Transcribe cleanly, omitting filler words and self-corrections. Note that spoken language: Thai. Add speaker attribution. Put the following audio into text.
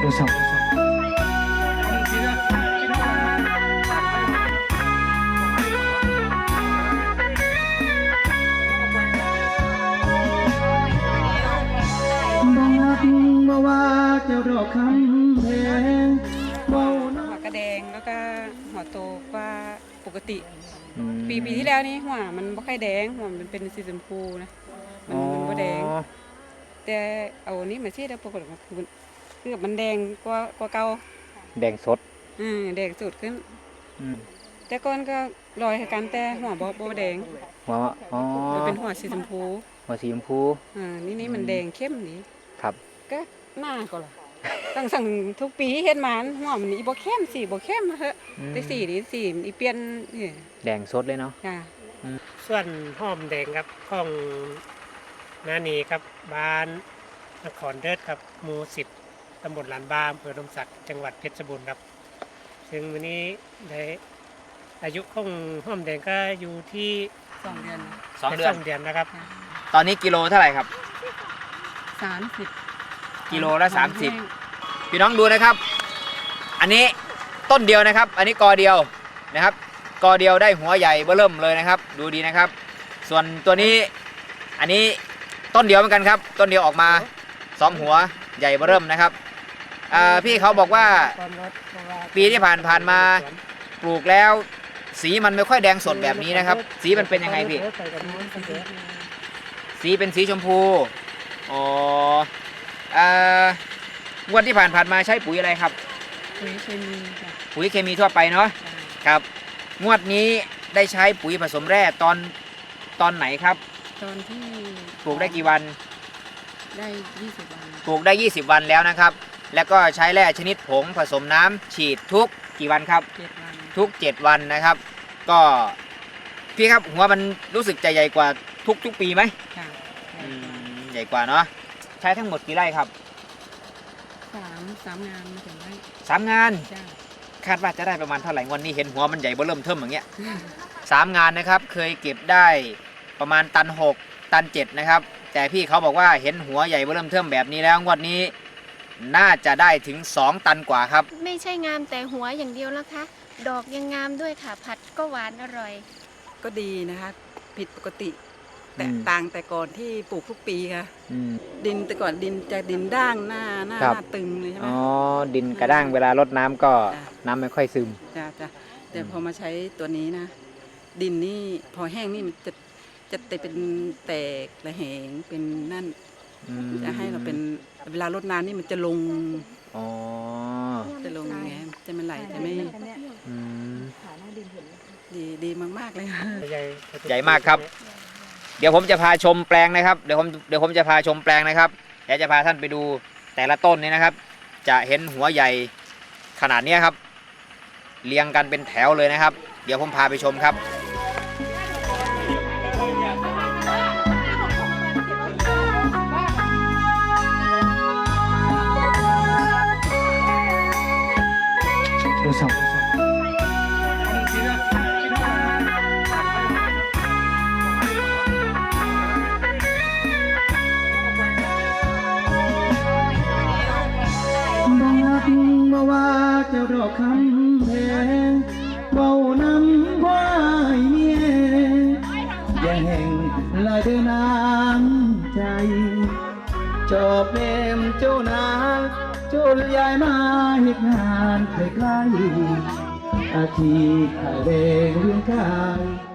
Speaker 1: 우선 บอกว่าเจ้าดอกคำแพงเบาหน้า
Speaker 2: หัวกระแดงแล้วก็หัวโตกว่าปกติปีที่แล้วนี่หัวมันไม่ค่อยแดงหัวมันเป็นสีชมพูนะมันบ่แดงแต่เอานี้มาเช็ดแล้วปรากฏว่าคือมันแดงกว่าเก่า
Speaker 1: แดงสด
Speaker 2: แดงสุดขึ้นแต่ก่อนก็ลอยกันแต่หัวบ่แดง
Speaker 1: หัวอ๋อ
Speaker 2: มันเป็นหัวสีชมพู
Speaker 1: หัวสีชมพู
Speaker 2: นี่มันแดงเข้มนี่
Speaker 1: ครับ
Speaker 2: ก็หน้าก็ล่ะตั้งสั่งทุกปีเฮ็ดมาหัวมันอีบ่เข้มสีบ่เข้มเถอะแต่สีนี่สีมันอีเปลี่ยนนี่
Speaker 1: แดงสดเลยเนาะ
Speaker 2: จ้ะ
Speaker 3: ส่วนหอมแดงครับของนานีครับบ้านนครเดิดครับหมู่10ตำบลลานบามอำเภอลมศักดิ์จังหวัดเพชรบูรณ์ครับซึ่งวันนี้ได้อายุของหอมแดงก็อยู่ที่
Speaker 2: 2 เดือน
Speaker 1: 2 เดือน
Speaker 3: 2 เดือนนะครับ
Speaker 1: ตอนนี้กิโลเท่าไหร่ครับ
Speaker 2: 30
Speaker 1: กิโลละ30พี่น้องดูนะครับ อันนี้ต้นเดียวนะครับ อันนี้กอเดียวนะครับกอเดียวได้หัวใหญ่เบ้อเริ่มเลยนะครับ ดูดีนะครับ ส่วนตัวนี้อันนี้ต้นเดียวเหมือนกันครับ ต้นเดียวออกมา2 หัวใหญ่เบ้อเริ่มนะครับพี่เขาบอกว่าปีที่ผ่านมาปลูกแล้วสีมันไม่ค่อยแดงสดแบบนี้นะครับ สีมันเป็นยังไงพี่สีเป็นสีชมพูอ๋องวดที่ผ่านมาใช้ปุ๋ยอะไรครับ
Speaker 2: ปุ๋ยเคมีจ้ะ
Speaker 1: ปุ๋ยเคมีทั่วไปเนาะครับงวดนี้ได้ใช้ปุ๋ยผสมแร่ตอนไหนครับ
Speaker 2: ตอนที่
Speaker 1: ปลูกได้กี่วัน
Speaker 2: ได้20 วัน
Speaker 1: ปลูกได้20 วันแล้วนะครับ แล้วก็ใช้แร่ชนิดผงผสมน้ำฉีดทุกกี่วันครับ
Speaker 2: 7 วัน
Speaker 1: ทุก7 วันนะครับ ก็พี่ครับหัวมันรู้สึกจะใหญ่กว่าทุกปีไหม
Speaker 2: ค่ะ
Speaker 1: ใหญ่กว่าเนาะใช้ทั้งหมดกี่ไร่ครับ
Speaker 2: 3 งานมาถึงได้
Speaker 1: 3 งาน
Speaker 2: จ้า
Speaker 1: คาดว่าจะได้ประมาณเท่าไหร่วันนี้เห็นหัวมันใหญ่เบ้อเริ่มเทิมอย่างเงี้ย3 งานนะครับเคยเก็บได้ประมาณตัน6ตัน7นะครับแต่พี่เขาบอกว่าเห็นหัวใหญ่เบ้อเริ่มเทิมแบบนี้แล้วงวดนี้น่าจะได้ถึง2 ตันกว่าครับ
Speaker 4: ไม่ใช่งามแต่หัวอย่างเดียวแล้วคะดอกยังงามด้วยค่ะ ผัดก็หวานอร่อย
Speaker 2: ก็ดีนะคะผิดปกติแตกต่างแต่ก่อนที่ปลูกทุกปีค่ะ ดินแต่ก่อนดินจะดินด้างหน้า
Speaker 1: ครับ
Speaker 2: ตึงเลยใช่ไหม
Speaker 1: อ๋อดินกระด้างเวลารดน้ำก็
Speaker 2: จ้ะ
Speaker 1: น้ำไม่ค่อยซึม
Speaker 2: จ้าแต่พอมาใช้ตัวนี้นะ ดินนี่พอแห้งนี่มันจะเป็นแตกระแหงเป็นนั่นจะให้เราเป็นเวลารดน้ำนี่มันจะลง
Speaker 1: อ๋อ
Speaker 2: จะลงไงจะมันไหลจะไม่
Speaker 1: อืม
Speaker 2: ดีมากๆเลยค่ะ
Speaker 1: ใหญ่มากครับ เดี๋ยวผมจะพาชมแปลงนะครับเดี๋ยวผมจะพาชมแปลงนะครับเดี๋ยวจะพาท่านไปดูแต่ละต้นนี้นะครับ จะเห็นหัวใหญ่ขนาดนี้ครับเรียงกันเป็นแถวเลยนะครับ เดี๋ยวผมพาไปชมครับ
Speaker 5: 우선บอกว่าเจ้าดอกคำแพงเบานำว่าเมียอย่าแห่งลายเดินน้ำใจจอบเนมเจ้านางจุลยายมาเหตุงานใกล้ๆอาชีพขายแรงเรื่องกาย